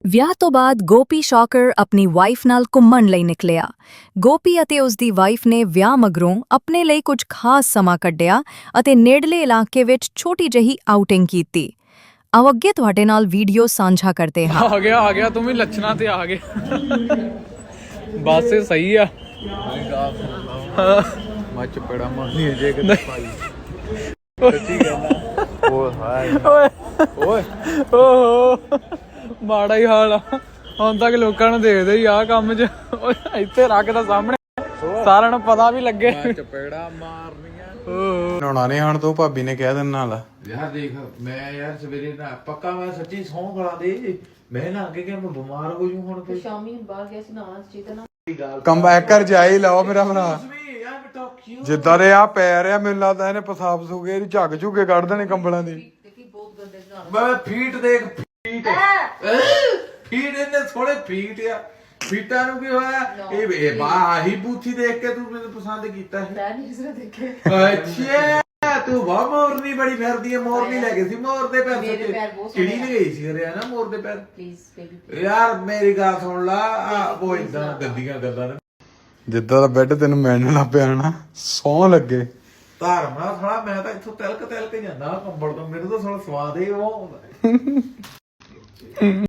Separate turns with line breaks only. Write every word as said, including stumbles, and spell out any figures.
ਵਿਆਹ ਤੋਂ ਬਾਅਦ ਗੋਪੀ ਸ਼ੌਕਰ ਆਪਣੀ ਵਾਈਫ ਨਾਲ ਘੁੰਮਣ ਲਈ ਨਿਕਲਿਆ। ਗੋਪੀ ਅਤੇ ਉਸ ਦੀ ਵਾਈਫ ਨੇ ਵਿਆਹ ਮਗਰੋਂ ਆਪਣੇ ਲਈ ਕੁਝ ਖਾਸ ਸਮਾਂ ਕੱਢਿਆ ਅਤੇ ਨੇੜਲੇ ਇਲਾਕੇ ਵਿੱਚ ਛੋਟੀ ਜਿਹੀ ਆਊਟਿੰਗ ਕੀਤੀ। ਆਓ ਅੱਗੇ ਤੁਹਾਡੇ ਨਾਲ ਵੀਡੀਓ ਸਾਂਝਾ ਕਰਦੇ ਹਾਂ।
ਆ ਗਿਆ ਆ ਗਿਆ ਤੂੰ ਵੀ ਲੱਛਣਾ ਤੇ ਆ ਗਿਆ। ਬਸ ਇਹ ਸਹੀ ਆ।
ਮੈਂ ਚਪੜਾ ਮਾਰਨੀ ਜੇ ਕਿ ਭਾਈ ਸੱਚੀ ਕਹਿੰਦਾ ਓਏ ਹਾਏ
ਓਏ
ਓਏ
ਓਹੋ ਮਾੜਾ ਹੀ ਹਾਲ ਆ। ਹੁਣ ਤੱਕ ਲੋਕਾਂ ਨੂੰ ਦੇਖਦੇ ਹੀ ਆ ਕੰਮ 'ਚ। ਓਏ ਇੱਥੇ ਰੱਖਦਾ ਸਾਹਮਣੇ ਸਾਰਿਆਂ ਨੂੰ ਪਤਾ ਵੀ ਲੱਗੇ।
ਮੈਂ ਚਪੜਾ ਮਾਰਨੀਆਂ
ਓਹ
ਨਹਾਉਣਾ ਨਹੀਂ ਹਣ ਤੂੰ ਭਾਬੀ ਨੇ ਕਹਿ ਦੇਣ ਨਾਲ ਯਾਰ ਦੇਖ ਮੈਂ ਯਾਰ ਸਵੇਰੇ ਨਾ ਪੱਕਾ ਮੈਂ ਸੱਚੀ ਸੌਂ ਖਲਾ ਦੇ ਮੈਂ ਨਾ ਅੱਗੇ ਕਿ ਮੈਂ ਬਿਮਾਰ ਹੋ ਜੂ ਹੁਣ ਤੇ
ਸ਼ਾਮੀ ਬਾਹਰ ਗਿਆ ਸੀ ਨਾ ਚੇਤਨਾ
ਕਮ ਬੈਕ ਕਰ ਜਾਈ ਲਾਓ ਮੇਰਾ ਭਰਾ ਜਿੱਦਾਂ ਦੇ ਆ ਪੈ ਰਿਹਾ ਮੈਨੂੰ ਲੱਗਦਾ ਇਹਨੇ ਪਸਾਬ ਸੁਗੇ ਇਹਦੀ ਝੱਗ ਝੁੱਗੇ ਕੱਢ ਦੇਣੇ ਕੰਬਲਾਂ ਦੀ
ਦੇਖੀ ਬਹੁਤ ਗੰਦੇ ਨਾਲ
ਮੈਂ ਫੀਟ ਦੇਖ ਫੀਟ ਫੀਟ ਇਹਨੇ ਥੋੜੇ ਫੀਟ ਆ ਫੀਟਾਂ ਨੂੰ ਕੀ ਹੋਇਆ ਇਹ ਇਹ ਬਾਹੀ ਬੂਥੀ ਦੇਖ ਕੇ ਤੂੰ ਮੈਨੂੰ ਪਸੰਦ ਕੀਤਾ ਹੈ
ਮੈਂ ਨਹੀਂ ਕਿਸੇ ਦੇਖੇ
ਅੱਛਾ ਤੂੰ ਬਹੁਤ ਮੋਰਨੀ ਬੜੀ ਫਿਰਦੀ ਹੈ ਮੋਰਨੀ ਲੈ ਗਈ ਸੀ ਮੋਰ ਦੇ ਪੈਰ
ਮੇਰੇ ਪੈਰ ਬਹੁਤ
ਚਿੜੀ ਨਹੀਂ ਗਈ ਸੀ ਹਰਿਆ ਨਾ ਮੋਰ ਦੇ ਪੈਰ
ਪਲੀਜ਼ ਬੇਬੀ
ਯਾਰ ਮੇਰੀ ਗੱਲ ਸੁਣ ਲਾ ਆ ਉਹ ਇਦਾਂ ਗੰਦੀਆਂ ਗੱਲਾਂ ਨੇ ਜਿੱਦਾਂ ਦਾ ਬੈੱਡ ਤੈਨੂੰ ਮਿਲਣ ਲੱਗ ਪਿਆ ਨਾ ਸੌਂ ਲੱਗੇ ਧਰਮਾ ਥੋੜਾ ਮੈਂ ਤਾਂ ਇੱਥੋਂ ਤਿਲਕ ਤਿਲਕ ਜਾਂਦਾ ਕੰਬਲ ਤੋਂ ਮੈਨੂੰ ਤਾਂ ਥੋੜਾ ਸਵਾਦ ਹੀ ਉਹ ਆਉਂਦਾ